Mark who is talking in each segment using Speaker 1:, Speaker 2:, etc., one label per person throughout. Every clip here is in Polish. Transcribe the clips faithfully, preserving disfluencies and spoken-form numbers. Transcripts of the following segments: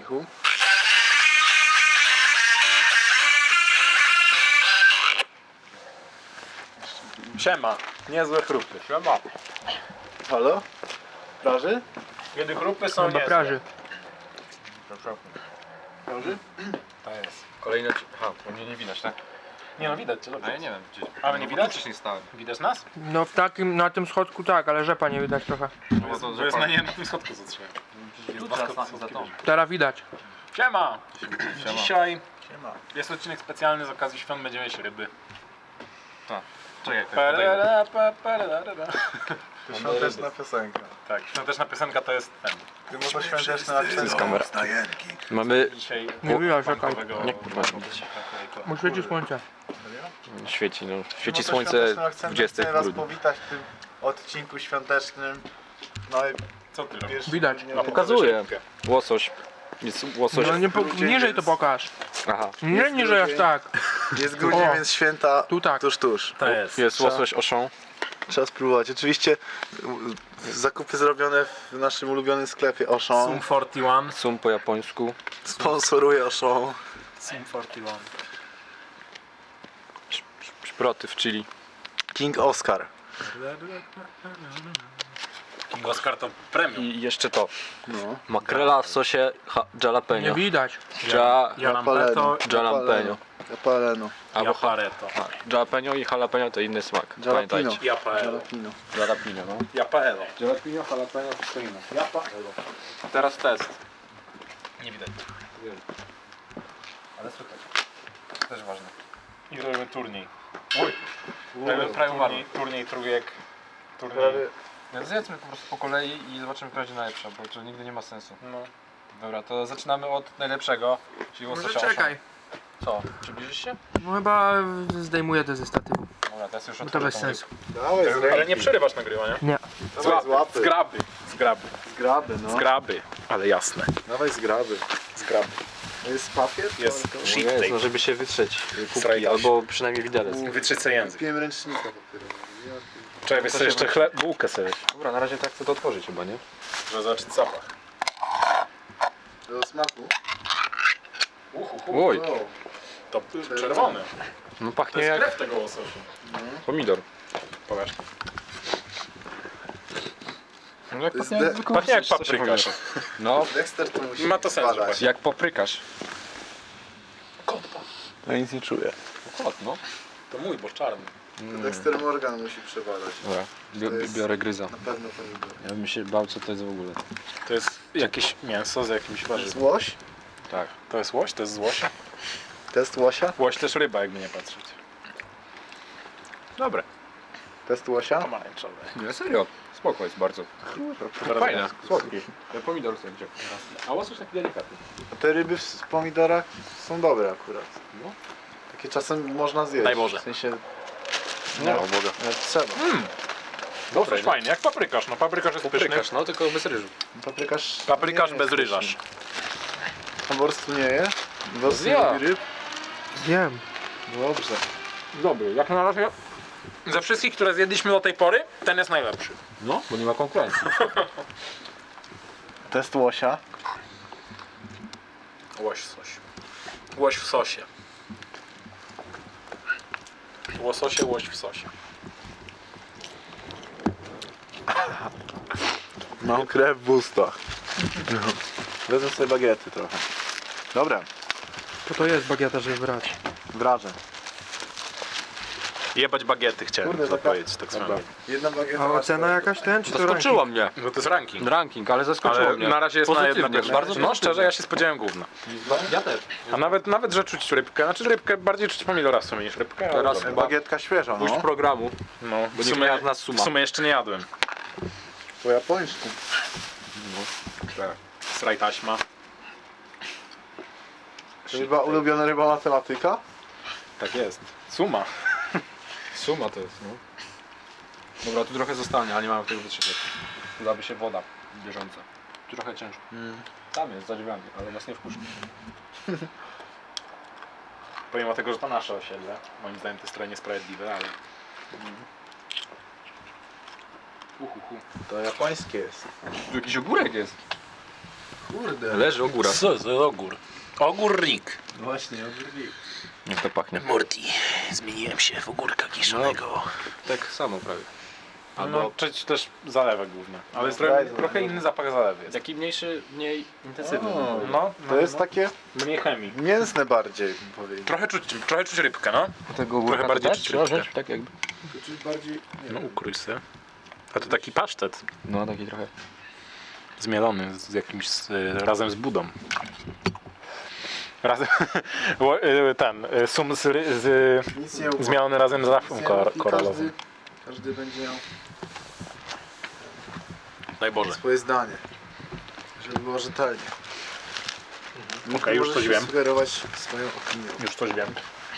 Speaker 1: Michu.
Speaker 2: Siema, niezłe chrupy. Siema.
Speaker 1: Halo? Praży?
Speaker 2: Kiedy chrupy są
Speaker 3: Chyba
Speaker 2: niezłe.
Speaker 3: praży.
Speaker 1: Praży?
Speaker 2: To jest.
Speaker 4: Kolejny odcinek. Aha, to mnie nie widać, tak?
Speaker 2: Nie no, widać cię,
Speaker 4: A ja
Speaker 2: dobrze.
Speaker 4: nie wiem gdzieś.
Speaker 2: Ale nie
Speaker 4: No,
Speaker 2: widać?
Speaker 4: Wcześniej stałem.
Speaker 2: Widać nas?
Speaker 3: No w takim, na tym schodku tak, ale rzepa nie widać trochę.
Speaker 4: No bo to
Speaker 2: To jest na nie na tym schodku zatrzymałem.
Speaker 4: jest
Speaker 2: dwa
Speaker 4: teraz
Speaker 2: schody
Speaker 4: na, za
Speaker 2: schodki
Speaker 4: tą.
Speaker 3: Teraz widać.
Speaker 2: Siema!
Speaker 4: Siema.
Speaker 2: Dzisiaj
Speaker 1: Siema.
Speaker 2: jest odcinek specjalny z okazji świąt, będziemy jeść ryby.
Speaker 4: Tak. Czekaj, jak podejdę.
Speaker 2: Perera, pe, perera.
Speaker 1: To świąteczna piosenka.
Speaker 2: Tak, świąteczna piosenka to jest ten.
Speaker 1: Ty może świąteczny akcent.
Speaker 4: kamera. Mamy...
Speaker 2: Dzisiaj
Speaker 3: Nie widać, czekaj.
Speaker 2: punkowego-
Speaker 4: Nie, kurwa, nie widać.
Speaker 3: Mu świeci słońce.
Speaker 4: Świeci, no. Świeci
Speaker 1: Ty może
Speaker 4: słońce
Speaker 1: świątecznym akcentem
Speaker 4: dwudziestego
Speaker 1: chcę was
Speaker 4: grudnia.
Speaker 1: powitać w tym odcinku świątecznym. No i
Speaker 2: Co ty robisz?
Speaker 1: pierwszy...
Speaker 3: Widać.
Speaker 1: nie
Speaker 2: A
Speaker 1: wiem,
Speaker 4: Pokazuję. Łosoś. Jest łosoś.
Speaker 3: No nie po,
Speaker 1: Grudzień,
Speaker 3: niżej
Speaker 1: więc-
Speaker 3: to pokaż.
Speaker 4: Aha.
Speaker 3: Nie niżej aż tak.
Speaker 1: Jest grudzień,
Speaker 3: O.
Speaker 1: więc święta
Speaker 3: Tu tak.
Speaker 1: tuż, tuż.
Speaker 2: To jest.
Speaker 4: Jest łosoś oszą.
Speaker 1: Trzeba spróbować. Oczywiście y, zakupy zrobione w naszym ulubionym sklepie Auchan.
Speaker 2: Sum czterdzieści jeden.
Speaker 4: Sum po japońsku.
Speaker 1: Sponsoruje Auchan.
Speaker 2: Sum czterdzieści jeden.
Speaker 4: Sz- sz- Szproty w chili.
Speaker 1: King Oscar.
Speaker 2: King Oscar to premium.
Speaker 4: I jeszcze to.
Speaker 1: No.
Speaker 4: Makrela w sosie ha-
Speaker 3: Nie
Speaker 4: jalapeno.
Speaker 3: widać.
Speaker 4: Ja...
Speaker 2: Jalapeno,
Speaker 4: Jalapeno.
Speaker 1: Japaleno.
Speaker 4: Albo ha-
Speaker 2: Japareto.
Speaker 4: a, jalapeno i jalapeno to inny smak.
Speaker 1: Jalapeno.
Speaker 4: Pamiętajcie.
Speaker 2: Japaelo.
Speaker 1: Jalapino.
Speaker 4: Jalapeno, no.
Speaker 2: Japaelo.
Speaker 4: Jalapeno, jalapeno, wszystko inne.
Speaker 2: Japaelo.
Speaker 4: Teraz test.
Speaker 2: Nie widać.
Speaker 4: Ale słychać. Też ważne.
Speaker 2: I robimy turniej.
Speaker 4: Oj.
Speaker 2: Robimy
Speaker 4: prawie
Speaker 2: turniej, turniej trójek. Turniej.
Speaker 1: Prawie
Speaker 4: No zjedzmy po prostu po kolei i zobaczymy, która będzie najlepsza, bo to nigdy nie ma sensu.
Speaker 2: No.
Speaker 4: Dobra, to zaczynamy od najlepszego, czyli
Speaker 3: Może
Speaker 4: łososia.
Speaker 3: czekaj.
Speaker 4: Co? Przybliżysz się?
Speaker 3: No chyba zdejmuję to ze statywu.
Speaker 4: Dobra, teraz już
Speaker 3: Bo to
Speaker 4: otworzę
Speaker 3: bez
Speaker 4: tą
Speaker 3: sensu.
Speaker 1: dawaj z
Speaker 2: Ale
Speaker 1: ręki.
Speaker 2: nie przerywasz nagrywania.
Speaker 3: Nie.
Speaker 1: Dawaj z łapy.
Speaker 2: Zgraby. Zgraby.
Speaker 1: Zgraby, no.
Speaker 2: Zgraby. Ale jasne.
Speaker 1: Dawaj zgraby.
Speaker 2: Zgraby.
Speaker 1: To jest papier?
Speaker 2: Jest.
Speaker 1: To-
Speaker 2: Sheet
Speaker 4: Jest,
Speaker 2: tape.
Speaker 4: no żeby się wytrzeć kubki,
Speaker 2: Strajdaś.
Speaker 4: albo przynajmniej widelec.
Speaker 2: Wytrzycę język.
Speaker 1: Kupiłem ręcznika papierowego.
Speaker 2: Czekaj, wiesz co, jeszcze chleb, bułkę sobie.
Speaker 4: Dobra, na razie tak chcę to otworzyć chyba, nie?
Speaker 2: Żeby zobaczyć zapach.
Speaker 1: Do smaku.
Speaker 2: Uhu,
Speaker 4: Oj,
Speaker 1: O,
Speaker 2: to czerwony.
Speaker 4: no
Speaker 2: To
Speaker 4: pachnie
Speaker 2: jest
Speaker 4: jak
Speaker 2: krew tego łososia.
Speaker 4: pomidor.
Speaker 2: Pokaż.
Speaker 4: No jak
Speaker 1: To jest
Speaker 4: pachnie jak
Speaker 1: de-
Speaker 4: zwykły
Speaker 2: Pachnie jak
Speaker 4: łosoś, co się
Speaker 2: paprykarz.
Speaker 4: pomyśli. No,
Speaker 1: Dexter to musi
Speaker 2: Ma to sens,
Speaker 1: badać.
Speaker 2: właśnie.
Speaker 4: jak paprykarz.
Speaker 1: Ja nic nie czuję.
Speaker 4: Kot, no.
Speaker 2: To mój, bo czarny.
Speaker 1: Dexter Morgan musi przebadać.
Speaker 4: Dobra, bio,
Speaker 1: To jest-
Speaker 4: biorę gryza.
Speaker 1: Na pewno pomidor.
Speaker 4: Ja bym się bał, co to jest w ogóle.
Speaker 2: To jest jakieś mięso z jakimś
Speaker 1: To jest
Speaker 2: warzywem.
Speaker 1: łoś?
Speaker 4: Tak.
Speaker 2: To jest łoś? To jest z łosia?
Speaker 1: Test łosia?
Speaker 2: Łoś też ryba, jakby nie patrzeć. Dobre.
Speaker 1: Test łosia?
Speaker 2: Pomarańczowe.
Speaker 4: Nie, serio. Spoko jest bardzo.
Speaker 2: Teraz
Speaker 4: Fajne,
Speaker 2: ja-
Speaker 4: słodki. Ten pomidor sobie wziął. A łosoś taki delikatny.
Speaker 1: A te ryby w pomidorach są dobre akurat.
Speaker 4: No.
Speaker 1: Takie czasem można zjeść.
Speaker 2: Daj Boże.
Speaker 1: W sensie,
Speaker 4: No, mogę.
Speaker 1: ale trzeba.
Speaker 2: Dobre, coś fajnie, jak paprykarz. No paprykarz jest pyszny.
Speaker 4: Paprykarz, no tylko bez ryżu.
Speaker 1: Paprykarz...
Speaker 2: Paprykarz
Speaker 1: nie
Speaker 2: bez
Speaker 1: jest
Speaker 2: ryżarz.
Speaker 1: pyszny. A po prostu nie je? Po prostu nie
Speaker 4: Ja.
Speaker 1: lubi ryb?
Speaker 3: Wiem.
Speaker 1: Dobrze.
Speaker 2: Dobry, jak na razie. Ze wszystkich, które zjedliśmy do tej pory, ten jest najlepszy.
Speaker 4: No, bo nie ma konkurencji.
Speaker 1: Test łosia.
Speaker 2: Łoś w sosie. Łoś w sosie. Łososie, łoś w sosie.
Speaker 1: Mam krew w ustach. Wezmę sobie bagiety trochę. Dobra,
Speaker 3: Po to jest bagieta, żeby brać.
Speaker 1: wrażę.
Speaker 2: Jebać bagiety chciałem
Speaker 1: Kurde, taka-
Speaker 2: zapowiedzieć tak samo.
Speaker 1: Jedna bagieta.
Speaker 3: A
Speaker 1: ma
Speaker 3: ocena jakaś ten, czy to
Speaker 4: Zaskoczyło
Speaker 3: ranking?
Speaker 4: mnie.
Speaker 2: No to jest ranking.
Speaker 4: Ranking, ale zaskoczyło
Speaker 2: Ale
Speaker 4: mnie.
Speaker 2: na razie jest na
Speaker 4: Pozytywnie,
Speaker 2: jedna pierwsza.
Speaker 4: bardzo
Speaker 2: No
Speaker 4: pozytywnie.
Speaker 2: szczerze, ja się spodziewałem gówna.
Speaker 4: Ja też.
Speaker 2: A nawet, nawet, że czuć rybkę. Znaczy rybkę, bardziej czuć pomidora w sumie niż rybkę. ale
Speaker 4: Teraz
Speaker 2: dobra.
Speaker 4: chyba
Speaker 1: Bagietka świeża,
Speaker 4: puść
Speaker 1: no.
Speaker 4: programu.
Speaker 2: No,
Speaker 4: Bo
Speaker 2: w
Speaker 4: nie
Speaker 2: sumie,
Speaker 4: miała z nas suma.
Speaker 2: w sumie jeszcze nie jadłem.
Speaker 1: Po japońsku.
Speaker 2: Sraj taśma.
Speaker 1: To chyba ulubiona ryba matematyka?
Speaker 2: Tak jest. Suma.
Speaker 4: Suma to jest, no. Dobra, tu trochę zostanie, ale nie mamy tego wytrzymać. Dałaby się woda bieżąca. Tu trochę ciężko. Tam jest, za drzwiami, ale nas nie wpuszcza.
Speaker 2: Pomimo tego, że to nasze osiedle. Moim zdaniem to jest trochę niesprawiedliwe, ale...
Speaker 4: Uhuhu.
Speaker 1: To japońskie jest.
Speaker 4: Tu jakiś ogórek jest.
Speaker 1: Kurde.
Speaker 4: Leży ogóra.
Speaker 2: Co za ogór? Ogór Rick.
Speaker 1: Właśnie, odwrócił.
Speaker 4: Jak to pachnie?
Speaker 2: Morty. Zmieniłem się w ogórka kiszonego.
Speaker 4: Tak samo prawie.
Speaker 2: Albo no, czy też zalewek główny. Ale jest
Speaker 1: daj
Speaker 2: trochę,
Speaker 1: zalewek.
Speaker 2: trochę inny zapach zalewy jest.
Speaker 4: Taki mniejszy, mniej intensywny.
Speaker 1: O.
Speaker 4: bym powiedział.
Speaker 2: No, no,
Speaker 1: To jest
Speaker 2: no.
Speaker 1: takie
Speaker 2: Mniej chemii.
Speaker 1: mięsne bardziej, bym powiedział.
Speaker 2: Trochę czuć, trochę czuć rybkę, no.
Speaker 4: Tego
Speaker 2: Trochę bardziej
Speaker 4: też
Speaker 2: czuć
Speaker 4: trzeba
Speaker 2: rybkę.
Speaker 4: wziąć, tak jakby.
Speaker 1: To czyli bardziej... Nie
Speaker 2: No
Speaker 1: wiem.
Speaker 2: ukrój se. A to taki pasztet.
Speaker 4: No taki trochę.
Speaker 2: Zmielony z jakimś, z, razem z budą. Razem, Ło- y, ten, y, sum z, ry- z
Speaker 1: Nic nie ufam.
Speaker 2: zmielony razem z rafą
Speaker 1: Nic nie
Speaker 2: kor-
Speaker 1: ufam i
Speaker 2: koralowym.
Speaker 1: każdy, każdy będzie miał
Speaker 2: Daj Boże.
Speaker 1: swoje zdanie. Żeby było rzetelnie.
Speaker 2: Mhm. Okej, już
Speaker 1: Możesz
Speaker 2: coś wiem.
Speaker 1: sugerować swoją opinią.
Speaker 2: Już coś wiem.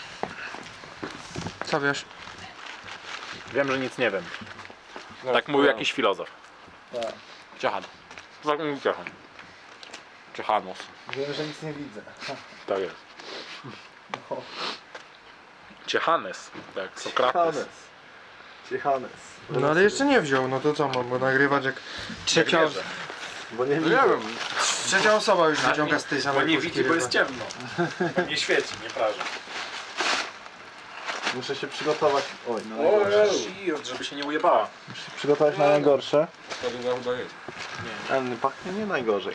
Speaker 3: Co wiesz?
Speaker 2: Wiem, że nic nie wiem.
Speaker 4: No,
Speaker 2: Tak mówił jakiś filozof.
Speaker 1: Tak.
Speaker 2: Ciechan. Tak mówił Ciechan. Ciechanos.
Speaker 1: Wiem, że nic nie widzę.
Speaker 2: Tak jest.
Speaker 1: No.
Speaker 2: Ciechanes. Tak, Sokrates.
Speaker 1: Ciechanes.
Speaker 3: No ale jeszcze nie wziął, no to co mam go nagrywać jak trzecia,
Speaker 2: wierzę.
Speaker 1: Bo nie
Speaker 4: No
Speaker 1: widzę.
Speaker 4: nie wiem.
Speaker 3: trzecia osoba już wyciąga z tej
Speaker 2: Bo
Speaker 3: samej
Speaker 2: nie
Speaker 3: puszki
Speaker 2: widzi, bo
Speaker 3: rybę.
Speaker 2: jest ciemno. Bo nie świeci, nie praży.
Speaker 1: Muszę się przygotować. Oj, na najgorsze.
Speaker 2: Shield, żeby się nie ujebała.
Speaker 1: Muszę się przygotować na najgorsze.
Speaker 4: To druga chyba jest.
Speaker 1: Ten pachnie nie najgorzej.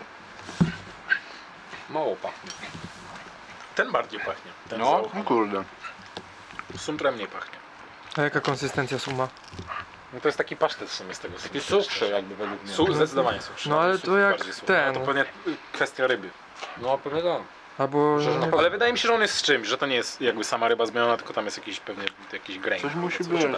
Speaker 4: Mało pachnie.
Speaker 2: Ten bardziej pachnie. Ten
Speaker 4: No.
Speaker 2: no.
Speaker 1: No kurde.
Speaker 2: Sumtrem mniej pachnie.
Speaker 3: A jaka konsystencja suma?
Speaker 2: No to jest taki pasztet w sumie z tego
Speaker 4: Taki suchszy jakby według mnie.
Speaker 2: Su, zdecydowanie suchszy.
Speaker 3: No, ale
Speaker 2: Su-
Speaker 3: to jak
Speaker 2: bardziej suchy.
Speaker 3: ten.
Speaker 2: No, to pewnie y, kwestia ryby.
Speaker 4: No pewnie tak.
Speaker 3: Albo...
Speaker 2: Że,
Speaker 3: nie-
Speaker 2: ale wydaje mi się, że on jest z czymś, że to nie jest jakby sama ryba zmielona, tylko tam jest jakiś pewnie jakiś grain.
Speaker 1: Coś musi
Speaker 2: Coś
Speaker 1: być.
Speaker 2: tak.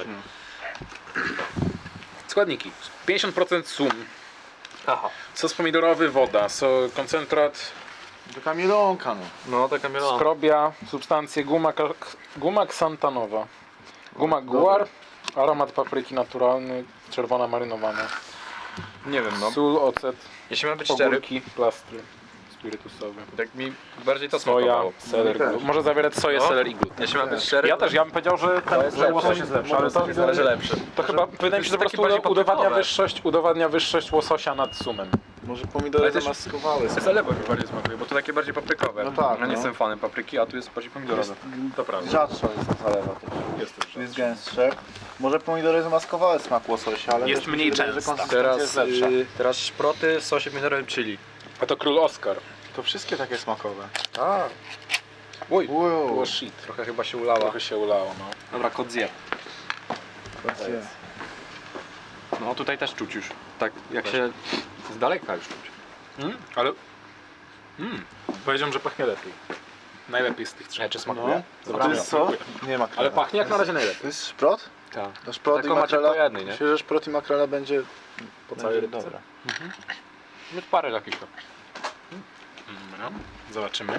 Speaker 2: Składniki. pięćdziesiąt procent sum.
Speaker 4: Aha.
Speaker 2: Sos pomidorowy, woda, so, koncentrat,
Speaker 1: Taka mielonka no.
Speaker 4: No taka mielona.
Speaker 2: skrobia, substancje guma, ka- guma ksantanowa, guma
Speaker 1: Dobra.
Speaker 2: guar, aromat papryki naturalny, czerwona marynowana,
Speaker 4: Nie wiem no.
Speaker 2: sól, ocet,
Speaker 4: Jeśli mam być szczery,
Speaker 2: ogórki, plastry spirytusowe,
Speaker 4: tak mi bardziej to
Speaker 2: soja,
Speaker 4: smakowało.
Speaker 2: seler,
Speaker 1: też.
Speaker 2: glut. Może zawierać soję,
Speaker 4: No.
Speaker 2: seler i glut.
Speaker 4: Jeśli mam być szczery,
Speaker 2: Ja też, ja bym powiedział, że, ten,
Speaker 4: jest
Speaker 2: że
Speaker 4: lepsze.
Speaker 2: łosoś jest lepszy, ale to,
Speaker 4: zależy lepszy.
Speaker 2: to chyba wydaje mi się, że po
Speaker 4: taki
Speaker 2: prostu
Speaker 4: bardziej
Speaker 2: udowadnia
Speaker 4: paprykowe.
Speaker 2: wyższość, udowadnia wyższość łososia nad sumem.
Speaker 1: Może pomidory
Speaker 4: Ale też-
Speaker 1: zamaskowały.
Speaker 4: Zalewo mi bardziej smakuje, bo to takie bardziej paprykowe.
Speaker 1: No tak,
Speaker 4: Ja nie
Speaker 1: no.
Speaker 4: jestem fanem papryki, a tu jest bardziej pomidorowe.
Speaker 2: To prawda.
Speaker 1: Rzadsza jest ta zalewa też.
Speaker 2: Jest też
Speaker 1: Jest gęstsze. Może pomidory zamaskowały smak łososia, ale
Speaker 2: Jest
Speaker 1: też mi się
Speaker 2: mniej
Speaker 1: wydaje, że
Speaker 2: częsta.
Speaker 1: konsystencja
Speaker 4: Teraz,
Speaker 1: jest lepsza.
Speaker 4: yy, teraz szproty w sosie pomidorowym chili.
Speaker 2: A to król Oscar.
Speaker 1: To wszystkie takie smakowe.
Speaker 4: A. Oj,
Speaker 1: Wow.
Speaker 2: Było shit.
Speaker 4: trochę chyba się ulała.
Speaker 2: Trochę się ulało, no.
Speaker 4: Dobra, kot zje.
Speaker 1: Rację.
Speaker 4: No tutaj też czuć już. Tak jak się z daleka już czuć.
Speaker 2: Mm, ale... Mm, powiedziałem, że pachnie lepiej. Najlepiej z tych trzech.
Speaker 4: Ja czy
Speaker 1: No.
Speaker 4: smakuje?
Speaker 1: A to jest co? Nie ma
Speaker 2: Ale pachnie jak na razie najlepiej.
Speaker 1: To jest szprot?
Speaker 4: Tak.
Speaker 1: To szprot i
Speaker 4: Tylko macie
Speaker 1: makrela.
Speaker 4: po jednej, nie?
Speaker 1: Myślę, że szprot i makrela będzie
Speaker 2: Po całej
Speaker 1: będzie
Speaker 2: rybce.
Speaker 1: dobra.
Speaker 4: Już parę takich to.
Speaker 2: Dobra, zobaczymy.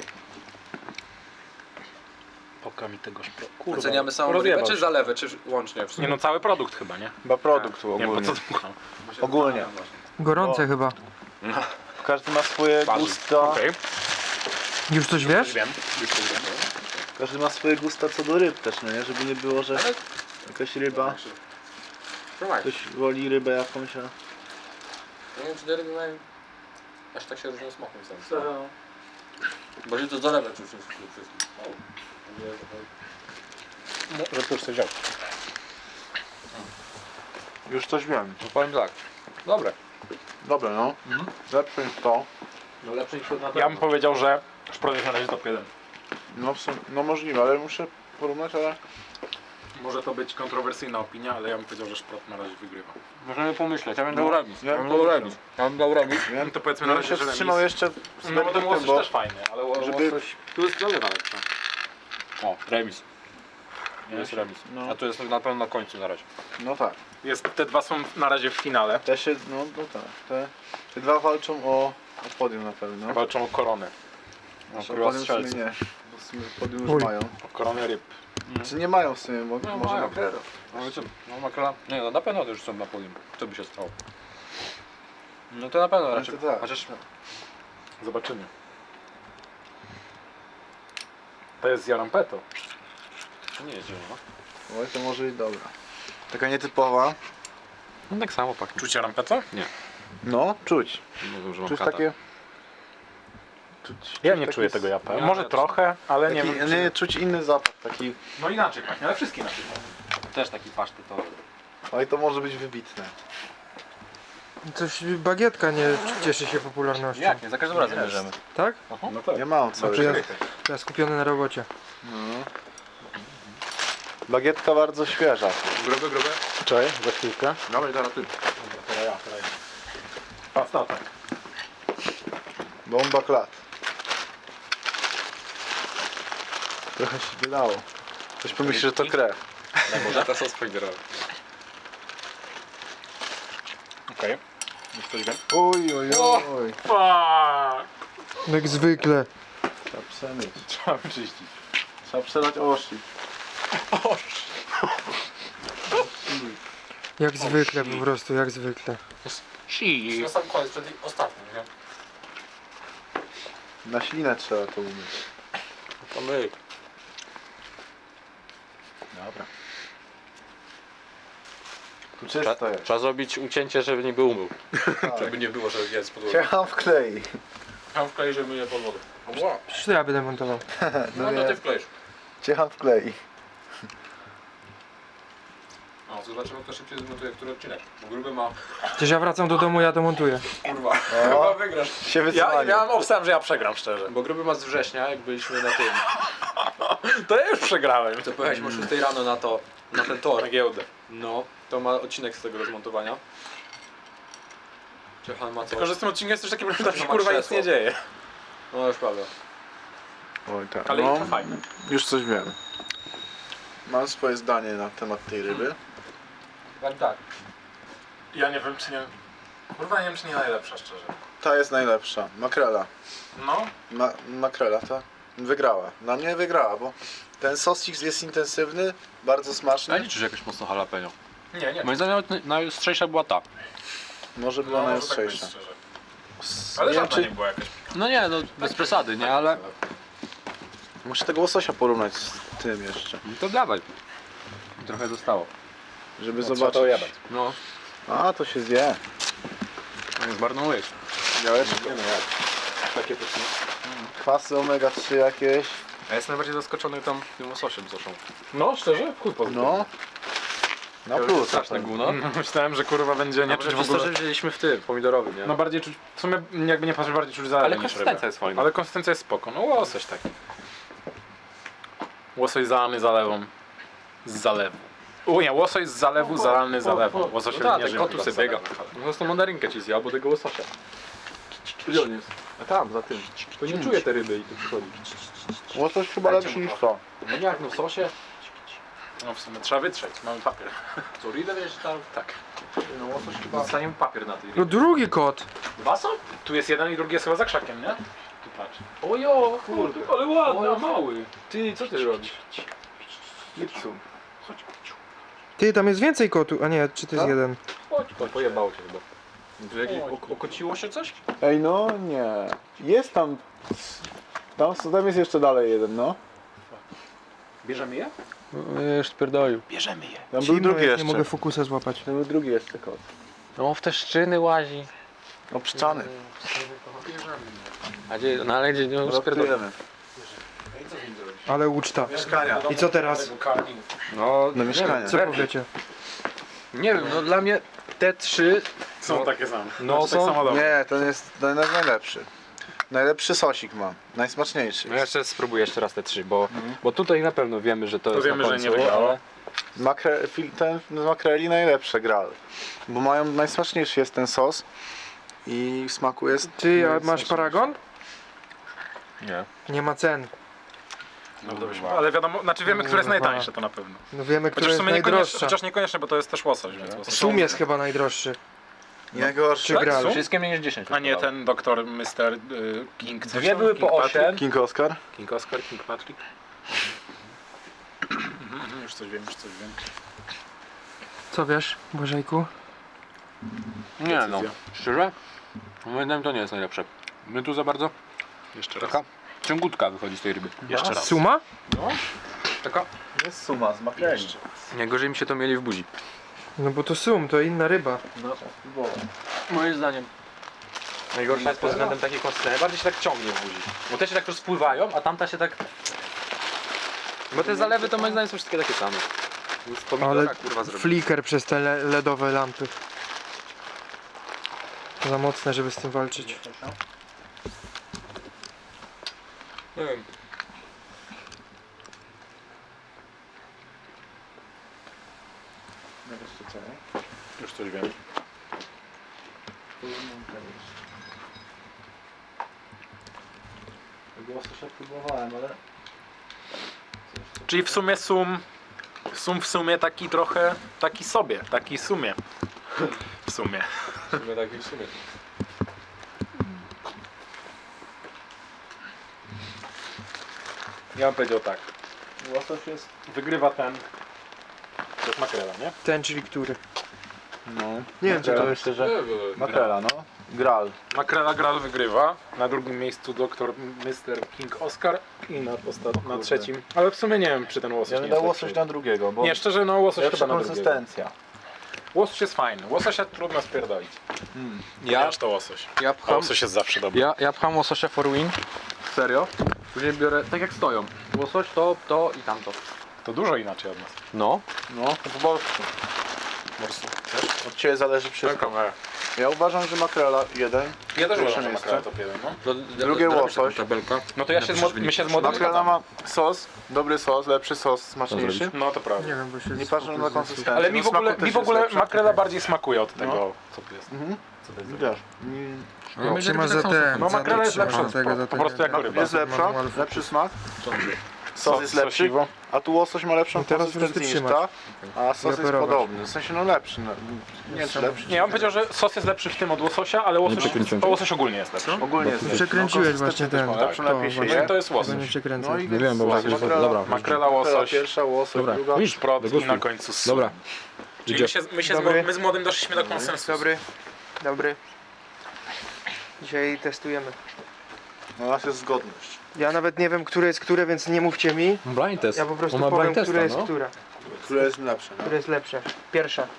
Speaker 2: Oka mi tego szpro... Kurwa,
Speaker 4: Oceniamy samą
Speaker 2: rozjebał
Speaker 4: rybę, czy
Speaker 2: się.
Speaker 4: zalewę, czy łącznie? W
Speaker 2: Nie
Speaker 4: sumie?
Speaker 2: no, cały produkt chyba, nie?
Speaker 1: Chyba produkt
Speaker 2: Nie wiem, po
Speaker 1: ogólnie.
Speaker 2: co dmucham.
Speaker 1: Ogólnie.
Speaker 3: Gorące
Speaker 1: O.
Speaker 3: chyba.
Speaker 1: Każdy ma swoje
Speaker 2: Waży.
Speaker 1: gusta.
Speaker 2: Okej,
Speaker 3: Już coś
Speaker 2: już
Speaker 3: wiesz?
Speaker 2: wiem. Już coś wiem.
Speaker 1: Każdy ma swoje gusta co do ryb też, no nie? Żeby nie było, że
Speaker 4: Ale-
Speaker 1: jakaś ryba,
Speaker 4: Trzymaj.
Speaker 1: ktoś woli rybę jakąś, a...
Speaker 4: Nie wiem, czy te ryby mają aż tak się różnią smakiem sam. Bo się to zalewa czy wszystko.
Speaker 2: Że to już coś wziął.
Speaker 1: Już coś wiem.
Speaker 4: No powiem tak. Dobre.
Speaker 1: Dobra, no. Lepsze niż to.
Speaker 4: No lepsze niż na
Speaker 2: Ja bym powiedział, że szprot jest na razie top jeden.
Speaker 1: No, w sum- no możliwe, ale muszę porównać, ale...
Speaker 2: Może to być kontrowersyjna opinia, ale ja bym powiedział, że szprot na razie wygrywa.
Speaker 4: Możemy pomyśleć, ja bym
Speaker 1: No,
Speaker 4: dał remis.
Speaker 1: ja
Speaker 4: Ja
Speaker 1: bym
Speaker 4: bym dał
Speaker 1: pomyślał.
Speaker 4: remis. Ja bym dał remis.
Speaker 1: Wiem,
Speaker 2: To powiedzmy
Speaker 1: ja
Speaker 2: na
Speaker 1: bym
Speaker 2: razie,
Speaker 1: się
Speaker 2: że
Speaker 1: wstrzymał
Speaker 2: remis.
Speaker 1: jeszcze z
Speaker 2: No bo ten
Speaker 1: verdyktem,
Speaker 2: łosoś
Speaker 1: bo
Speaker 2: też fajny, ale ło-
Speaker 1: żeby-
Speaker 2: łosoś...
Speaker 4: Tu jest zalewa lepsza. O, remis.
Speaker 2: Nie jest remis.
Speaker 1: No,
Speaker 4: A tu jest na pewno na końcu na razie.
Speaker 1: no tak.
Speaker 2: Jest, te dwa są na razie w finale.
Speaker 1: Te się, no, no tak. Te, te dwa walczą o, o podium na pewno.
Speaker 2: Walczą o koronę.
Speaker 4: No,
Speaker 1: O
Speaker 4: króla
Speaker 1: podium w sumie
Speaker 4: strzelców.
Speaker 1: nie. Bo w sumie podium już
Speaker 3: Uj.
Speaker 1: mają.
Speaker 2: O koronę ryb.
Speaker 1: Czy nie mają w sumie, bo
Speaker 4: No,
Speaker 1: może
Speaker 4: mają.
Speaker 1: makrela.
Speaker 4: No, co? No makrela. Nie no, na pewno to już są na podium. Co by się stało? No to na pewno raczej.
Speaker 1: to tak.
Speaker 4: Chociaż
Speaker 2: Zobaczymy. To jest Jarampeto.
Speaker 4: to nie jest zielona.
Speaker 1: Oj, to może i dobra. Taka nietypowa.
Speaker 4: No tak samo pachnie.
Speaker 2: Czuć Jarampeto?
Speaker 1: No, czuć.
Speaker 4: Nie wiem, że mam
Speaker 1: Czuć
Speaker 4: kata.
Speaker 1: takie Czuć,
Speaker 2: Ja
Speaker 1: czuć
Speaker 2: nie
Speaker 1: taki
Speaker 2: czuję
Speaker 1: s-
Speaker 2: tego japa.
Speaker 4: Ja
Speaker 2: Może
Speaker 4: też
Speaker 2: trochę, ale nie
Speaker 1: Taki,
Speaker 2: wiem.
Speaker 1: nie,
Speaker 2: czy-
Speaker 1: czuć inny zapach, taki...
Speaker 2: No inaczej pachnie, ale wszystkie inaczej pachnie.
Speaker 4: Też taki pasztetowy.
Speaker 1: Oj, to może być wybitne.
Speaker 3: Coś bagietka nie cieszy się popularnością.
Speaker 4: Jak nie? Za każdym razem
Speaker 1: Jest.
Speaker 4: bierzemy.
Speaker 3: Tak?
Speaker 2: No tak.
Speaker 1: Ja mam
Speaker 3: To
Speaker 1: cały
Speaker 3: ja,
Speaker 1: czas.
Speaker 3: to ja skupiony na robocie.
Speaker 1: No. Bagietka bardzo świeża.
Speaker 4: Grube, grube.
Speaker 2: Czekaj, za chwilkę.
Speaker 4: Dawaj, zaraz ty.
Speaker 2: Teraz ja, teraz ja. Pasta, tak.
Speaker 1: Bomba klat. Trochę się wydało. Ktoś pomyśli, że to krew.
Speaker 4: Może to sos podzielony.
Speaker 2: Okej. Już coś wiem.
Speaker 1: Oj, oj, oj.
Speaker 2: Fuck!
Speaker 3: Jak zwykle.
Speaker 1: Trzeba przemyć.
Speaker 2: Trzeba wyczyścić.
Speaker 1: Trzeba przelać osi.
Speaker 3: Jak zwykle po prostu, jak zwykle.
Speaker 2: Si.
Speaker 4: Na sam koniec, przed ostatnim, nie?
Speaker 1: Na ślinę trzeba to umyć.
Speaker 4: To my.
Speaker 2: Dobra.
Speaker 1: Tu czysto jest.
Speaker 4: Trzeba zrobić ucięcie, żeby nie był umył.
Speaker 1: Tak.
Speaker 4: Żeby nie było, że jest pod wodą.
Speaker 1: Ciecham w klei.
Speaker 4: Tam wklej, żeby nie pod wodą.
Speaker 3: Przecież to ja będę montował.
Speaker 4: No to ty wklejesz.
Speaker 1: Ciecham w klei.
Speaker 4: O, zobaczymy kto szybciej zmontuje który odcinek. Bo gruby ma...
Speaker 3: Przecież ja wracam do domu, ja to montuję.
Speaker 4: Kurwa.
Speaker 1: O.
Speaker 4: Chyba wygrasz.
Speaker 1: Się
Speaker 2: Ja
Speaker 1: wycofanie.
Speaker 2: miałem obstawę, że ja przegram szczerze.
Speaker 4: Bo gruby ma z września, jak byliśmy na tym.
Speaker 2: To ja już przegrałem.
Speaker 4: To pojechaliśmy o szóstej rano na to, na ten tor.
Speaker 2: Na giełdę.
Speaker 4: No, to ma odcinek z tego rozmontowania. Ciechan ma coś.
Speaker 2: Tylko, że z tym odcinkiem jest też taki problem, że tam się
Speaker 4: Ma
Speaker 2: kurwa nic
Speaker 4: krzesło.
Speaker 2: nie dzieje.
Speaker 4: No już prawda.
Speaker 1: Oj, tak.
Speaker 2: Ale
Speaker 1: no,
Speaker 2: to fajne.
Speaker 1: już coś wiem. Mam swoje zdanie na temat tej ryby.
Speaker 4: Tak, tak.
Speaker 2: Ja nie wiem czy nie... Kurwa nie wiem czy nie najlepsza szczerze.
Speaker 1: Ta jest najlepsza. Makrela.
Speaker 2: No.
Speaker 1: Ma makrela ta wygrała. Na mnie wygrała, bo ten sosik jest intensywny, bardzo
Speaker 4: Ja
Speaker 1: smaczny.
Speaker 4: nie czuć jakoś mocno jalapeno.
Speaker 2: Nie, nie.
Speaker 4: Moim zdaniem nawet najostrzejsza była ta.
Speaker 1: Może była
Speaker 2: No, może tak być
Speaker 1: najostrzejsza.
Speaker 2: szczerze.
Speaker 1: S-
Speaker 2: Ale
Speaker 1: nie wiem,
Speaker 2: żadna
Speaker 1: czy...
Speaker 2: nie była jakaś...
Speaker 4: No nie, no bez przesady, nie, ale...
Speaker 1: Muszę tego łososia porównać z tym jeszcze,
Speaker 4: To dawaj. Trochę zostało.
Speaker 1: żeby
Speaker 2: trzeba
Speaker 1: zobaczyć.
Speaker 2: to jebać.
Speaker 4: No,
Speaker 1: A, to się zje.
Speaker 4: zmarnujesz.
Speaker 1: Białeczko.
Speaker 2: Nie no jak. Takie pyszne.
Speaker 1: Kwasy omega trzy jakieś.
Speaker 4: A jestem najbardziej zaskoczony tam tym łososiem zresztą.
Speaker 2: No szczerze? Chuj pozdrow.
Speaker 1: No. Na plus.
Speaker 4: Straszne gówno.
Speaker 2: No, myślałem, że kurwa będzie nie
Speaker 4: Nie
Speaker 2: czuć w
Speaker 4: przez to,
Speaker 2: ogóle.
Speaker 4: że wzięliśmy w tym, pomidorowym, nie?
Speaker 2: No bardziej czuć, w sumie jakby nie patrzeć, bardziej czuć zalewę
Speaker 4: ale
Speaker 2: niż
Speaker 4: konsystencja
Speaker 2: rybę.
Speaker 4: jest fajna.
Speaker 2: Ale konsystencja jest spoko, no łosoś taki. Łosoś zalany zalewą. Z zalewu. U nie, łosoś z zalewu zalany zalewą. Łosoś
Speaker 4: No tak,
Speaker 2: nie
Speaker 4: ten
Speaker 2: żyje
Speaker 4: kot tu
Speaker 2: chyba
Speaker 4: sobie
Speaker 2: z
Speaker 4: biega.
Speaker 2: zalewu, ale-
Speaker 4: Po prostu mandarynkę ci zjadł, bo tego łososia. Gdzie on jest? A tam, za tym. To nie czuje te ryby i tu przychodzi.
Speaker 1: Łosoś chyba lepszy niż to.
Speaker 4: No jak, no w sosie?
Speaker 2: No w sumie trzeba wytrzeć, mamy papier.
Speaker 4: Co, rydę wiesz tam?
Speaker 2: Tak.
Speaker 4: No łosoś chyba... Dostaniemy papier na tej
Speaker 3: No
Speaker 4: rybie.
Speaker 3: drugi kot.
Speaker 2: Dwa są? Tu jest jeden i drugi jest chyba za krzakiem, nie? Tu patrz.
Speaker 4: Ojo, kurde.
Speaker 2: Ale ładny,
Speaker 4: O,
Speaker 2: a mały.
Speaker 4: Ty, co ty robisz?
Speaker 1: Lipsu.
Speaker 3: Ty, tam jest więcej kotów. A nie, czy to jest
Speaker 1: Co?
Speaker 3: jeden?
Speaker 2: Chodź.
Speaker 4: To pojebało cię chyba. Tu jakieś ok- okociło się coś?
Speaker 1: Ej, no nie. Jest tam. Tam, tam jest jeszcze dalej jeden, no.
Speaker 2: Bierzemy je?
Speaker 4: Już spierdolił.
Speaker 2: Bierzemy je.
Speaker 1: Tam był
Speaker 3: Zimno
Speaker 1: drugi
Speaker 3: jest,
Speaker 1: jeszcze.
Speaker 3: nie mogę fokusa złapać.
Speaker 1: Tam był drugi jeszcze kot.
Speaker 4: No w te szczyny łazi.
Speaker 1: Obszczany.
Speaker 4: A gdzie, no ale gdzie, no już spierdolił.
Speaker 1: Rozptujemy.
Speaker 3: Ale uczta.
Speaker 1: Mieszkania.
Speaker 3: I co teraz?
Speaker 4: No,
Speaker 1: Do mieszkania.
Speaker 3: Co powiecie?
Speaker 4: nie wiem, no dla mnie te trzy...
Speaker 2: Są takie same.
Speaker 4: No,
Speaker 2: Znaczy,
Speaker 4: są-
Speaker 2: tak samo dobre.
Speaker 1: Nie, ten jest, ten jest najlepszy. Najlepszy sosik mam. Najsmaczniejszy.
Speaker 4: No ja jeszcze spróbuję jeszcze raz te trzy, bo, bo tutaj na pewno wiemy, że to,
Speaker 2: To
Speaker 4: jest
Speaker 2: wiemy,
Speaker 4: na
Speaker 2: że
Speaker 4: końcu,
Speaker 2: nie wygrało.
Speaker 4: ale-
Speaker 1: Makre, fil- ten z makreli najlepsze gral. Bo mają najsmaczniejszy jest ten sos. I w smaku jest.
Speaker 3: Ty, a masz paragon?
Speaker 4: Nie.
Speaker 3: Nie ma cen.
Speaker 2: No, dobrze. Ale wiadomo, znaczy wiemy, które jest
Speaker 3: Kurwa.
Speaker 2: najtańsze to na pewno.
Speaker 3: No wiemy, który
Speaker 2: Chociaż w
Speaker 3: jest
Speaker 2: sumie niekoniecznie,
Speaker 3: najdroższa.
Speaker 2: chociaż niekoniecznie, bo to jest też łosoś, więc łosoś.
Speaker 3: Sum jest chyba najdroższy.
Speaker 1: Najgorszy.
Speaker 3: Czy
Speaker 2: Tak?
Speaker 3: gral?
Speaker 2: Sum?
Speaker 4: Wszystkie mniej niż dziesięć.
Speaker 2: A nie
Speaker 4: kosztowały.
Speaker 2: ten doktor mister y, King. coś
Speaker 4: Dwie
Speaker 2: tam?
Speaker 4: były
Speaker 2: King
Speaker 4: po
Speaker 2: Patrick?
Speaker 4: osiem.
Speaker 1: King Oscar.
Speaker 2: King Oscar, King Patrick. Mhm, mhm, już coś wiem, już coś wiem.
Speaker 3: Co wiesz, Bożejku?
Speaker 4: Nie no,
Speaker 2: Decyzja.
Speaker 4: szczerze? Moim zdaniem to nie jest najlepsze. My tu za bardzo
Speaker 2: Jeszcze raz.
Speaker 4: taka ciągutka wychodzi z tej ryby.
Speaker 2: Jeszcze raz.
Speaker 3: Suma?
Speaker 4: Taka?
Speaker 1: Jest suma z makreli.
Speaker 2: Jeszcze.
Speaker 4: Nie gorzej mi się to mieli w buzi.
Speaker 3: No bo to sum, to inna ryba.
Speaker 1: No, spróbować.
Speaker 4: Moim zdaniem. Najgorsza jest pod względem takiej konsystencji. Najbardziej się tak ciągnie w buzi. Bo te się tak rozpływają, a tamta się tak... Bo te zalewy to moim zdaniem są wszystkie takie same. Z pomidora,
Speaker 3: Ale
Speaker 4: kurwa zrobić.
Speaker 3: flicker przez te le- ledowe lampy. Za mocne, żeby z tym walczyć.
Speaker 4: Nie wiem.
Speaker 2: Już coś wiem.
Speaker 1: Łososia próbowałem, ale...
Speaker 2: Czyli w sumie sum, sum w sumie taki trochę, taki sobie, taki sumie. W sumie.
Speaker 4: W sumie tak i w sumie.
Speaker 2: Ja bym powiedział tak.
Speaker 1: Łosoś jest...
Speaker 2: Wygrywa ten. To jest makrela, nie?
Speaker 3: Ten, czyli który?
Speaker 1: No.
Speaker 3: Nie wiem, co to jest.
Speaker 1: Myślę, że... Makrela, no. Gral.
Speaker 2: Makrela Gral wygrywa. Na drugim miejscu doktor mister King Oscar i na, posta- na trzecim. Ale w sumie nie wiem, czy ten łosoś
Speaker 1: Ja
Speaker 2: nie
Speaker 1: bym
Speaker 2: jest
Speaker 1: dał
Speaker 2: lepszy.
Speaker 1: łosoś na drugiego, bo...
Speaker 2: Nie, szczerze, no łosoś
Speaker 1: lepsza
Speaker 2: chyba na drugiego.
Speaker 1: konsystencja.
Speaker 2: Łosoś jest fajny. Łososia trudno spierdolić.
Speaker 1: Hmm.
Speaker 2: Ja to łosoś.
Speaker 4: Ja
Speaker 2: A
Speaker 4: pcham,
Speaker 2: łosoś jest zawsze dobry.
Speaker 4: ja, ja pcham łososia for win.
Speaker 1: Serio?
Speaker 4: Później biorę, tak jak stoją. Łosoś, to, to i tamto.
Speaker 2: To dużo inaczej od nas.
Speaker 4: No.
Speaker 1: No, to po polsku.
Speaker 2: Morsu.
Speaker 1: Od Ciebie zależy wszystko. Ja uważam, że makrela jeden.
Speaker 2: Ja też
Speaker 1: Pierwsze
Speaker 2: uważam, że
Speaker 1: miejsce.
Speaker 2: makrela top jeden, no.
Speaker 4: To,
Speaker 1: Drugie łosoś.
Speaker 4: Tabelka.
Speaker 2: No to ja się z, mo- my się z młodym
Speaker 1: Makrela
Speaker 2: zgadzamy.
Speaker 1: ma sos, dobry sos, lepszy sos, smaczniejszy.
Speaker 2: No to prawda.
Speaker 3: Nie wiem, bo się
Speaker 1: Nie patrzę na konsystencję.
Speaker 2: Ale mi w ogóle,
Speaker 1: Smaku
Speaker 2: mi
Speaker 1: też
Speaker 2: w ogóle
Speaker 1: jest lepsza.
Speaker 2: makrela bardziej smakuje od tego, co tu jest.
Speaker 1: Mhm.
Speaker 2: Co to jest?
Speaker 1: Wiesz. Mm,
Speaker 3: No, trzymasz za ten,
Speaker 2: No
Speaker 3: za
Speaker 2: makrela
Speaker 3: to
Speaker 2: jest
Speaker 3: trzymasz
Speaker 2: lepsza
Speaker 3: za tego,
Speaker 2: po-
Speaker 3: za
Speaker 2: po
Speaker 3: tego.
Speaker 2: prostu jak ryba.
Speaker 1: Jest lepsza,
Speaker 3: Manual focus.
Speaker 1: lepszy smak.
Speaker 2: Sos
Speaker 1: Sos jest lepszy,
Speaker 2: sosiwo.
Speaker 1: a tu łosoś ma lepszą
Speaker 3: No teraz możesz
Speaker 1: konsystencję niż
Speaker 3: wytrzymać.
Speaker 1: ta, a sos jest
Speaker 3: operować.
Speaker 1: podobny. W sensie no lepszy. No, nie wiem czy lepszy.
Speaker 2: Nie, ja bym powiedział, że sos jest lepszy w tym od łososia, ale łosoś, to łosoś ogólnie jest lepszy.
Speaker 1: Ogólnie jest lepszy.
Speaker 3: Przekręciłeś
Speaker 1: No,
Speaker 3: właśnie
Speaker 1: konsystencja
Speaker 3: ten.
Speaker 1: też ma lepszą,
Speaker 3: to
Speaker 1: lepiej się
Speaker 3: właśnie.
Speaker 1: je.
Speaker 2: No to jest
Speaker 3: Tego
Speaker 2: łosoś.
Speaker 3: nie przekręcaj.
Speaker 1: No i
Speaker 5: Nie wiem, bo
Speaker 1: łosoś,
Speaker 5: tak-
Speaker 1: makrela,
Speaker 5: dobra.
Speaker 2: Makrela, łosoś,
Speaker 1: pierwsza, łosoś,
Speaker 5: Dobra.
Speaker 1: druga.
Speaker 5: Widzisz,
Speaker 2: szprot i
Speaker 5: degustuj.
Speaker 2: na końcu sos.
Speaker 5: Dobra.
Speaker 2: Czyli my się, my, się z,
Speaker 3: Dobry.
Speaker 2: mo- my z młodym doszliśmy do konsensusu.
Speaker 3: Dobry, dobry. Dzisiaj testujemy.
Speaker 1: No u nas jest zgodność.
Speaker 3: Ja nawet nie wiem, które jest które, więc nie mówcie mi.
Speaker 5: Blind test.
Speaker 3: Ja po prostu
Speaker 5: On ma
Speaker 3: powiem,
Speaker 5: blind testa,
Speaker 3: które jest
Speaker 5: no.
Speaker 3: która.
Speaker 1: Które jest lepsze, no?
Speaker 3: Które jest lepsze. Pierwsza.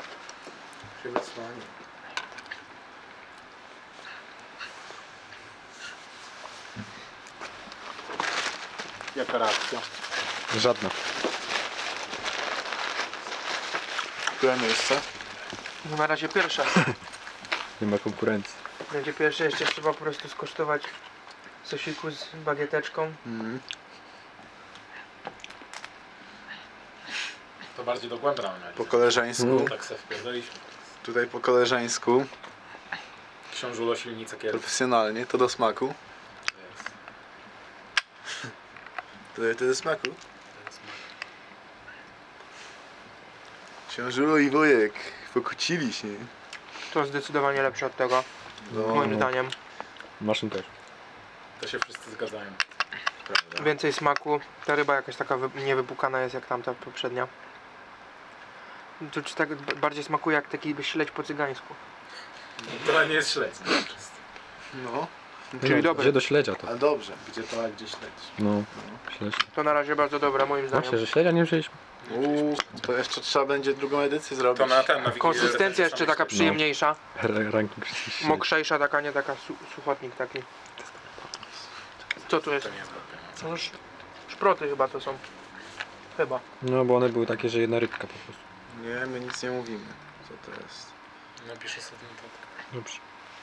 Speaker 2: Jaka reakcja?
Speaker 5: Żadna.
Speaker 1: Które miejsce?
Speaker 3: No na razie pierwsza.
Speaker 5: Nie ma konkurencji.
Speaker 3: Będzie pierwsze, jeszcze trzeba po prostu skosztować sosiku z bagieteczką.
Speaker 1: Mhm.
Speaker 2: To bardziej dogłębna
Speaker 1: Po koleżeńsku.
Speaker 2: Tak se wpierdoliśmy.
Speaker 1: Tutaj po koleżeńsku.
Speaker 2: Książulo silnica kierowcy.
Speaker 1: Profesjonalnie, to do smaku. To, to do smaku. Książulo i Wojek pokłócili się.
Speaker 3: To zdecydowanie lepsze od tego,
Speaker 1: No,
Speaker 3: moim zdaniem.
Speaker 5: Maszyn też.
Speaker 2: To się wszyscy zgadzają.
Speaker 3: Więcej smaku. Ta ryba jakaś taka wy- niewypukana jest jak tamta poprzednia. To czy tak b- bardziej smakuje jak taki śledź po cygańsku.
Speaker 2: To nie jest śledź.
Speaker 1: no.
Speaker 3: Czyli dobre.
Speaker 5: Gdzie do śledzia to?
Speaker 1: A dobrze, gdzie to, a gdzie śledź?
Speaker 5: No. Śledź.
Speaker 3: To na razie bardzo dobre moim zdaniem.
Speaker 5: Właśnie, że śledzia nie wzięliśmy.
Speaker 1: Uuu, to jeszcze trzeba będzie drugą edycję zrobić.
Speaker 2: To na ten, na Wigilię
Speaker 3: Konsystencja jeszcze taka przyjemniejsza.
Speaker 5: R- Ranking wszystkich.
Speaker 3: Mokrzejsza taka, nie taka su suchotnik taki. Co tu jest?
Speaker 2: To nie jest dobre.
Speaker 3: No, sz szproty chyba to są. Chyba.
Speaker 5: No bo one były takie, że jedna rybka po prostu.
Speaker 1: Nie, my nic nie mówimy. Co to jest?
Speaker 2: Napiszę sobie na to.
Speaker 5: Dobrze.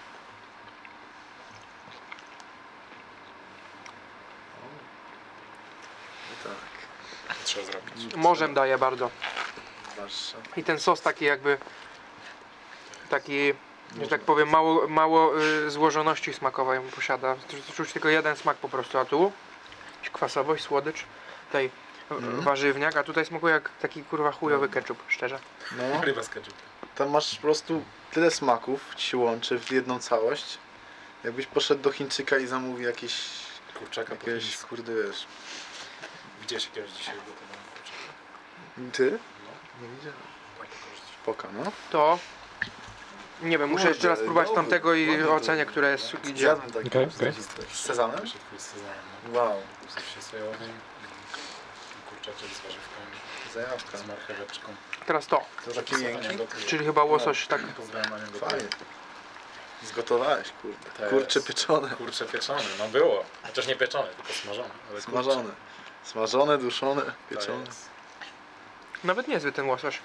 Speaker 1: Tak,
Speaker 2: Trzeba zrobić.
Speaker 3: Morzem daje bardzo.
Speaker 1: zwłaszcza.
Speaker 3: I ten sos taki jakby taki, że tak powiem, mało, mało y, złożoności smakowej posiada. Czu- Czuć tylko jeden smak po prostu, a tu jakaś kwasowość, słodycz, tutaj
Speaker 1: Mhm.
Speaker 3: warzywniak, a tutaj smakuje jak taki kurwa chujowy ketchup, szczerze.
Speaker 1: No,
Speaker 2: Ryba z ketchup.
Speaker 1: tam masz po prostu tyle smaków, ci się łączy w jedną całość. Jakbyś poszedł do Chińczyka i zamówił jakieś,
Speaker 2: Kurczaka po
Speaker 1: jakieś,
Speaker 2: chińsku.
Speaker 1: kurde wiesz.
Speaker 2: Widziałeś jakiegoś dzisiaj gotowanego kurczaka?
Speaker 1: Ty?
Speaker 2: No.
Speaker 1: Nie widziałem.
Speaker 2: Fajnie korzystać.
Speaker 1: Poka, no.
Speaker 3: To nie wiem, muszę jeszcze raz
Speaker 1: Kurde,
Speaker 3: spróbować
Speaker 1: dobry,
Speaker 3: tamtego i
Speaker 1: dobry.
Speaker 3: ocenię, które jest idzie.
Speaker 1: Zjadłem taki
Speaker 5: Okej,
Speaker 1: okay,
Speaker 5: okej.
Speaker 1: z sezanem.
Speaker 2: Pierwszy twój z sezanem, no.
Speaker 1: Wow,
Speaker 2: W sosie sojowym. Kurczaczek z warzywkami.
Speaker 1: zajawka.
Speaker 2: Z marcheweczką.
Speaker 3: Teraz to,
Speaker 1: To taki miękki.
Speaker 3: czyli chyba łosoś tak.
Speaker 2: Pozdrawiam Anię
Speaker 1: Fajnie. Zgotowałeś, kurde.
Speaker 2: To
Speaker 1: Kurcze
Speaker 2: jest-
Speaker 1: pieczone.
Speaker 2: Kurcze pieczone, no było. Chociaż nie pieczone, tylko smażone. Ale
Speaker 1: Smażone. Smażone, duszone,
Speaker 2: kurcze, to
Speaker 1: pieczone.
Speaker 2: jest-
Speaker 3: Nawet niezły ten łosoś.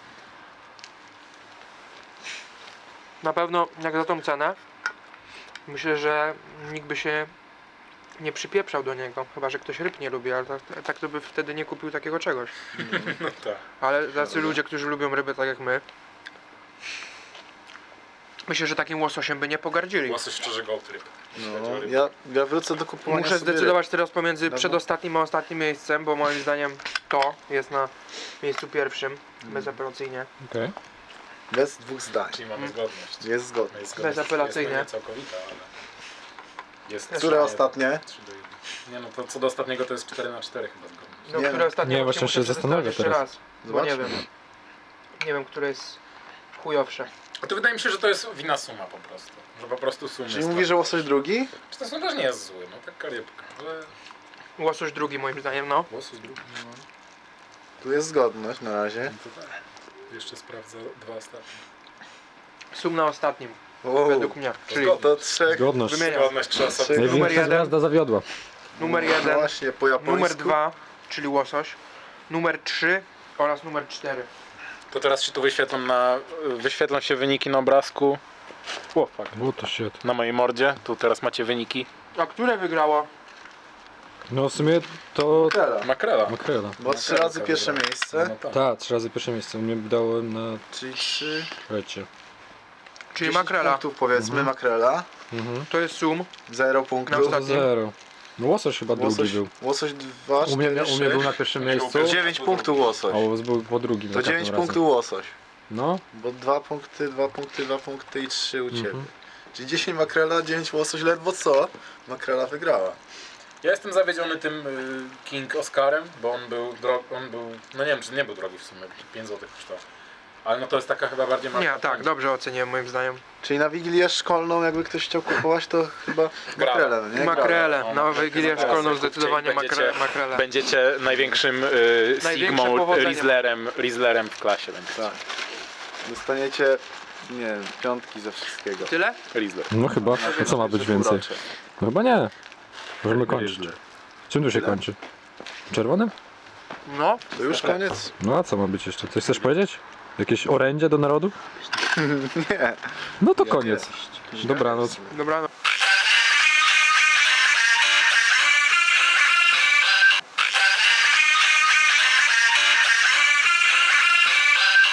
Speaker 3: Na pewno jak za tą cenę, myślę, że nikt by się nie przypieprzał do niego. Chyba że ktoś ryb nie lubi, ale tak, tak to by wtedy nie kupił takiego czegoś.
Speaker 2: No tak.
Speaker 3: Ale tacy ludzie, którzy lubią ryby tak jak my, myślę, że takim łososiem by nie pogardzili.
Speaker 2: Łosoś szczerze gołd ryb.
Speaker 1: No, ja, ja wrócę do kupowania
Speaker 3: Muszę
Speaker 1: sobie
Speaker 3: zdecydować teraz pomiędzy
Speaker 1: Dobra.
Speaker 3: przedostatnim a ostatnim miejscem, bo moim zdaniem to jest na miejscu pierwszym, bezapelacyjnie.
Speaker 5: Okej.
Speaker 1: ryb. Bez dwóch zdań.
Speaker 2: Czyli mamy zgodność.
Speaker 1: Jest zgodne.
Speaker 2: Jest zgodność.
Speaker 3: Bezapelacyjnie.
Speaker 2: Jest to nie całkowita, ale... Jest
Speaker 1: Które
Speaker 2: trzy-
Speaker 1: ostatnie?
Speaker 2: trzy do jednego. Nie no, to co do ostatniego to jest cztery na cztery chyba zgodność.
Speaker 3: No,
Speaker 1: Nie,
Speaker 3: które
Speaker 1: no.
Speaker 3: ostatnie
Speaker 5: Nie,
Speaker 3: właśnie
Speaker 5: właśnie
Speaker 3: muszę
Speaker 5: się zastanawiam
Speaker 3: przetestować jeszcze
Speaker 5: teraz.
Speaker 3: raz, bo nie
Speaker 1: Zobaczmy.
Speaker 3: wiem. Nie wiem, które jest chujowsze.
Speaker 2: A to wydaje mi się, że to jest wina suma po prostu. Że po prostu sum
Speaker 1: Czyli
Speaker 2: jest
Speaker 1: mówisz, że łosoś drugi?
Speaker 2: Czy to też nie jest zły, no taka rybka, ale...
Speaker 3: Łosoś drugi moim zdaniem, no.
Speaker 2: Łosoś drugi, no.
Speaker 1: Tu jest zgodność na razie.
Speaker 2: No to tak. Jeszcze sprawdzę dwa ostatnie.
Speaker 3: Sum na ostatnim,
Speaker 1: Wow.
Speaker 3: według mnie. Czyli
Speaker 1: Czyli to trzech.
Speaker 5: Zgodność.
Speaker 3: Wymieniam.
Speaker 2: Zgodność trzeba sobie...
Speaker 1: Numer
Speaker 5: Największa
Speaker 3: jeden.
Speaker 5: gwiazda zawiodła.
Speaker 3: numer
Speaker 1: No
Speaker 3: jeden,
Speaker 1: właśnie, po japońsku.
Speaker 3: numer dwa, czyli łosoś, numer trzy oraz numer cztery.
Speaker 2: To teraz się tu wyświetlą na... Wyświetlą się wyniki na obrazku. O, fuck.
Speaker 5: O to shit.
Speaker 2: Na mojej mordzie. Tu teraz macie wyniki.
Speaker 3: A które wygrało?
Speaker 5: No w sumie to...
Speaker 1: Makrela.
Speaker 2: Makrela.
Speaker 5: Makrela.
Speaker 1: Bo trzy
Speaker 2: Makrela
Speaker 1: razy pierwsze
Speaker 2: wygrała.
Speaker 1: miejsce.
Speaker 2: No tak.
Speaker 5: Tak, trzy razy pierwsze miejsce. U mnie dałem na
Speaker 1: Czyli trzy.
Speaker 5: trzecie.
Speaker 3: Czyli
Speaker 1: dziesięć
Speaker 3: makrela.
Speaker 1: punktów powiedzmy, makrela.
Speaker 5: Mhm.
Speaker 3: To jest sum.
Speaker 1: Zero
Speaker 3: Na
Speaker 1: punktów.
Speaker 3: ostatnim.
Speaker 5: Zero. No łosoś chyba
Speaker 1: Łosoś,
Speaker 5: drugi był.
Speaker 1: łosoś dwa,
Speaker 5: U mnie,
Speaker 1: cztery,
Speaker 5: u mnie był na
Speaker 1: sześć.
Speaker 5: pierwszym miejscu.
Speaker 1: dziewięć punktów łosoś.
Speaker 5: A łos był po drugim.
Speaker 1: To
Speaker 5: za
Speaker 1: dziewięć
Speaker 5: każdym razem.
Speaker 1: punktów łosoś.
Speaker 5: No,
Speaker 1: Bo dwa punkty, dwa punkty, dwa punkty i trzy u ciebie.
Speaker 5: Mhm.
Speaker 1: Czyli dziesięć makrela, dziewięć łosoś, ledwo co? Makrela wygrała.
Speaker 2: Ja jestem zawiedziony tym y, King Oscarem, bo on był, dro- on był, no nie wiem czy nie był drogi w sumie, pięć złotych kosztował. Ale no to jest taka chyba bardziej marka.
Speaker 3: Nie, tak, dobrze oceniłem moim zdaniem.
Speaker 1: Czyli na wigilię szkolną, jakby ktoś chciał kupować, to chyba makrele, no nie?
Speaker 3: Makrele,
Speaker 2: no,
Speaker 3: na
Speaker 2: makrele
Speaker 3: Wigilię
Speaker 2: zaraz
Speaker 3: szkolną
Speaker 2: kupcie i
Speaker 3: zdecydowanie
Speaker 2: będziecie-
Speaker 3: makre, makrele.
Speaker 2: Będziecie największym y,
Speaker 3: Największe
Speaker 2: Sigmą
Speaker 3: powodzenie.
Speaker 2: Rieslerem, Rieslerem w klasie będziecie.
Speaker 1: Tak. Dostaniecie, nie wiem, piątki ze wszystkiego.
Speaker 3: Tyle?
Speaker 2: Riesler.
Speaker 5: no chyba. A co ma być więcej?
Speaker 1: Półrocze.
Speaker 5: No chyba nie. Możemy kończyć. Czym tu się
Speaker 1: Tyle.
Speaker 5: kończy? Czerwonym?
Speaker 3: No,
Speaker 1: To już koniec?
Speaker 5: No a co ma być jeszcze? Coś chcesz powiedzieć? Jakieś orędzie do narodu?
Speaker 1: Nie.
Speaker 5: No to
Speaker 1: Ja
Speaker 5: koniec.
Speaker 1: nie.
Speaker 5: Dobranoc.
Speaker 3: dobranoc.